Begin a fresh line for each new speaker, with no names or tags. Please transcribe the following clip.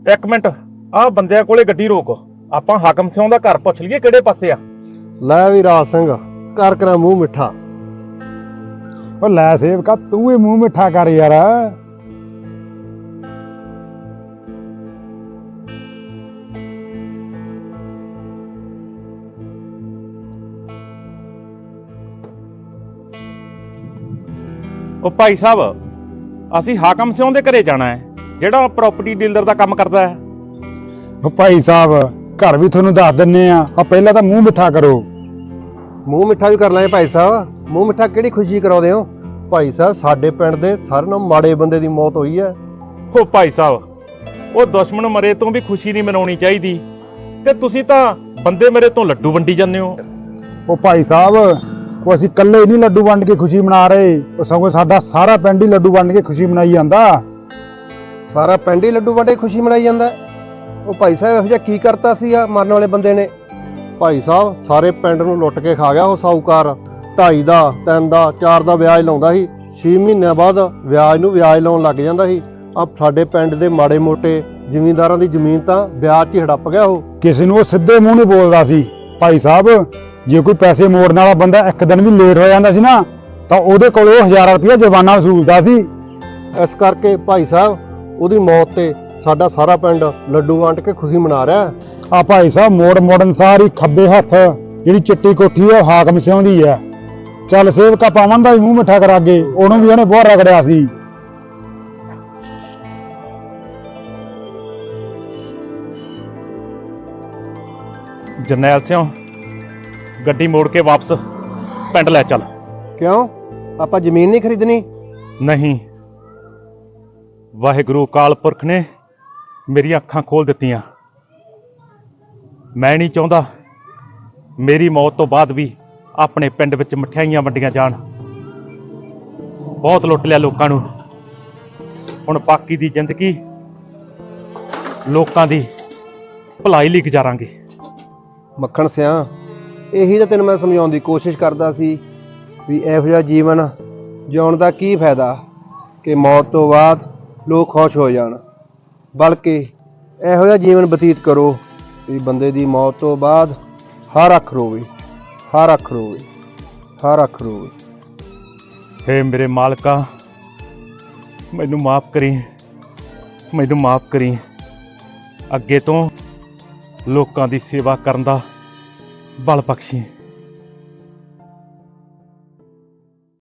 ਇੱਕ ਮਿੰਟ, ਆਹ ਬੰਦਿਆਂ ਕੋਲੇ ਗੱਡੀ ਰੋਕ। ਆਪਾਂ ਹਾਕਮ ਸਿਉਂ ਦਾ ਘਰ ਪੁੱਛ ਲਈਏ ਕਿਹੜੇ ਪਾਸੇ ਆ।
ਲੈ ਵੀ ਰਾਜ ਸਿੰਘ ਕਰ ਕਰਾਂ ਮੂੰਹ ਮਿੱਠਾ।
ਉਹ ਲੈ ਸੇਵਕਾ, ਤੂੰ ਹੀ ਮੂੰਹ ਮਿੱਠਾ ਕਰ ਯਾਰ।
ਉਹ ਭਾਈ ਸਾਹਿਬ, ਅਸੀਂ ਹਾਕਮ ਸਿਉਂ ਦੇ ਘਰੇ ਜਾਣਾ ਹੈ, ਜਿਹੜਾ ਪ੍ਰਾਪਰਟੀ ਡੀਲਰ ਦਾ ਕੰਮ ਕਰਦਾ ਹੈ।
ਉਹ ਭਾਈ ਸਾਹਿਬ, ਘਰ ਵੀ ਤੁਹਾਨੂੰ ਦੱਸ ਦਿੰਨੇ ਆ ਪਹਿਲਾਂ ਤਾਂ ਮੂੰਹ ਮਿੱਠਾ ਕਰੋ।
ਮੂੰਹ ਮਿੱਠਾ ਵੀ ਕਰ ਲਾਂਗੇ ਭਾਈ ਸਾਹਿਬ। ਮੂੰਹ ਮਿੱਠਾ ਕਿਹੜੀ ਖੁਸ਼ੀ ਕਰਾਉਂਦੇ ਹੋ ਭਾਈ ਸਾਹਿਬ? ਸਾਡੇ ਪਿੰਡ ਦੇ ਸਾਰਿਆਂ ਨਾਲੋਂ ਮਾੜੇ ਬੰਦੇ ਦੀ ਮੌਤ ਹੋਈ ਹੈ।
ਉਹ ਭਾਈ ਸਾਹਿਬ, ਉਹ ਦੁਸ਼ਮਣ ਮਰੇ ਤੋਂ ਵੀ ਖੁਸ਼ੀ ਨਹੀਂ ਮਨਾਉਣੀ ਚਾਹੀਦੀ, ਤੇ ਤੁਸੀਂ ਤਾਂ ਬੰਦੇ ਮੇਰੇ ਤੋਂ ਲੱਡੂ ਵੰਡੀ ਜਾਂਦੇ ਹੋ।
ਉਹ ਭਾਈ ਸਾਹਿਬ, ਉਹ ਅਸੀਂ ਇਕੱਲੇ ਨਹੀਂ ਲੱਡੂ ਵੰਡ ਕੇ ਖੁਸ਼ੀ ਮਨਾ ਰਹੇ, ਉਹ ਸਗੋਂ ਸਾਡਾ ਸਾਰਾ ਪਿੰਡ ਹੀ ਲੱਡੂ ਵੰਡ ਕੇ ਖੁਸ਼ੀ ਮਨਾਈ ਜਾਂਦਾ।
ਸਾਰਾ ਪਿੰਡ ਹੀ ਲੱਡੂ ਵੰਡੇ ਖੁਸ਼ੀ ਮਨਾਈ ਜਾਂਦਾ। ਉਹ ਭਾਈ ਸਾਹਿਬ ਇਹੋ ਜਿਹਾ ਕੀ ਕਰਤਾ ਸੀ ਆ ਮਰਨ ਵਾਲੇ ਬੰਦੇ ਨੇ? ਭਾਈ ਸਾਹਿਬ, ਸਾਰੇ ਪਿੰਡ ਨੂੰ ਲੁੱਟ ਕੇ ਖਾ ਗਿਆ ਉਹ ਸਾਊਕਾਰ। 2.5 ਦਾ 3 ਦਾ 4 ਦਾ ਵਿਆਜ ਲਾਉਂਦਾ ਸੀ। 6 ਮਹੀਨਿਆਂ ਬਾਅਦ ਵਿਆਜ ਨੂੰ ਵਿਆਜ ਲਾਉਣ ਲੱਗ ਜਾਂਦਾ ਸੀ। ਆ ਸਾਡੇ ਪਿੰਡ ਦੇ ਮਾੜੇ ਮੋਟੇ ਜ਼ਿਮੀਂਦਾਰਾਂ ਦੀ ਜ਼ਮੀਨ ਤਾਂ ਵਿਆਜ 'ਚ ਹੀ ਹੜੱਪ ਗਿਆ ਉਹ।
ਕਿਸੇ ਨੂੰ ਉਹ ਸਿੱਧੇ ਮੂੰਹ ਨਹੀਂ ਬੋਲਦਾ ਸੀ। ਭਾਈ ਸਾਹਿਬ, ਜੇ ਕੋਈ ਪੈਸੇ ਮੋੜਨ ਵਾਲਾ ਬੰਦਾ ਇੱਕ ਦਿਨ ਵੀ ਲੇਟ ਹੋ ਜਾਂਦਾ ਸੀ ਨਾ, ਤਾਂ ਉਹਦੇ ਕੋਲ ਉਹ 1000 ਰੁਪਇਆ ਜੁਰਮਾਨਾ ਵਸੂਲਦਾ ਸੀ।
ਇਸ ਕਰਕੇ ਭਾਈ ਸਾਹਿਬ, ਉਹਦੀ ਮੌਤ ਤੇ ਸਾਡਾ ਸਾਰਾ ਪਿੰਡ ਲੱਡੂ ਵੰਡ ਕੇ ਖੁਸ਼ੀ ਮਨਾ ਰਿਹਾ।
ਆ ਭਾਈ ਸਾਹਿਬ, ਮੋੜਨ ਸਾਰੀ ਖੱਬੇ ਹੱਥ ਜਿਹੜੀ ਚਿੱਟੀ ਕੋਠੀ ਆ, ਹਾਕਮ ਸਿਉਂ ਦੀ ਆ। ਚੱਲ ਸੇਵਕਾ, ਪਾਵਨ ਦਾ ਵੀ ਮੂੰਹ ਮਿੱਠਾ ਕਰਾ ਕੇ, ਉਹਨੂੰ ਵੀ ਉਹਨੇ ਬਹੁਤ ਰਗੜਿਆ ਸੀ।
ਜਰਨੈਲ ਸਿਉਂ, ਗੱਡੀ ਮੋੜ ਕੇ ਵਾਪਸ ਪਿੰਡ ਲੈ ਚੱਲ।
ਕਿਉਂ? ਆਪਾਂ ਜ਼ਮੀਨ ਨਹੀਂ ਖਰੀਦਣੀ?
ਨਹੀਂ, ਵਾਹਿਗੁਰੂ ਅਕਾਲ ਪੁਰਖ ਨੇ ਮੇਰੀਆਂ ਅੱਖਾਂ ਖੋਲ ਦਿੱਤੀਆਂ। ਮੈਂ ਨਹੀਂ ਚਾਹੁੰਦਾ ਮੇਰੀ ਮੌਤ ਤੋਂ ਬਾਅਦ ਵੀ ਆਪਣੇ ਪਿੰਡ ਵਿੱਚ ਮਠਿਆਈਆਂ ਵੰਡੀਆਂ ਜਾਣ। ਬਹੁਤ ਲੁੱਟ ਲਿਆ ਲੋਕਾਂ ਨੂੰ। ਹੁਣ ਬਾਕੀ ਦੀ ਜ਼ਿੰਦਗੀ ਲੋਕਾਂ ਦੀ ਭਲਾਈ ਲਈ ਗੁਜ਼ਾਰਾਂਗੇ।
ਮੱਖਣ ਸਿਆਂ, ਇਹੀ ਤਾਂ ਤੈਨੂੰ ਮੈਂ ਸਮਝਾਉਣ ਦੀ ਕੋਸ਼ਿਸ਼ ਕਰਦਾ ਸੀ ਵੀ ਇਹੋ ਜਿਹਾ ਜੀਵਨ ਜਿਉਣ ਦਾ ਕੀ ਫਾਇਦਾ ਕਿ ਮੌਤ ਤੋਂ ਬਾਅਦ ਲੋਕ ਖੁਸ਼ ਹੋ ਜਾਣ। ਬਲਕਿ ਇਹੋ ਜਿਹਾ ਜੀਵਨ ਬਤੀਤ ਕਰੋ ਵੀ ਬੰਦੇ ਦੀ ਮੌਤ ਤੋਂ ਬਾਅਦ ਹਰ ਅੱਖ ਰੋਵੇ, ਹਰ ਅੱਖ ਰੋਵੇ, ਹਰ ਅੱਖ ਰੋਵੇ।
ਹੇ ਮੇਰੇ ਮਾਲਕਾ, ਮੈਨੂੰ ਮਾਫ ਕਰੀ, ਮੈਨੂੰ ਮਾਫ ਕਰੀ। ਅੱਗੇ ਤੋਂ ਲੋਕਾਂ ਦੀ ਸੇਵਾ ਕਰਨ ਦਾ ਬਲ ਬਖਸ਼ੀ।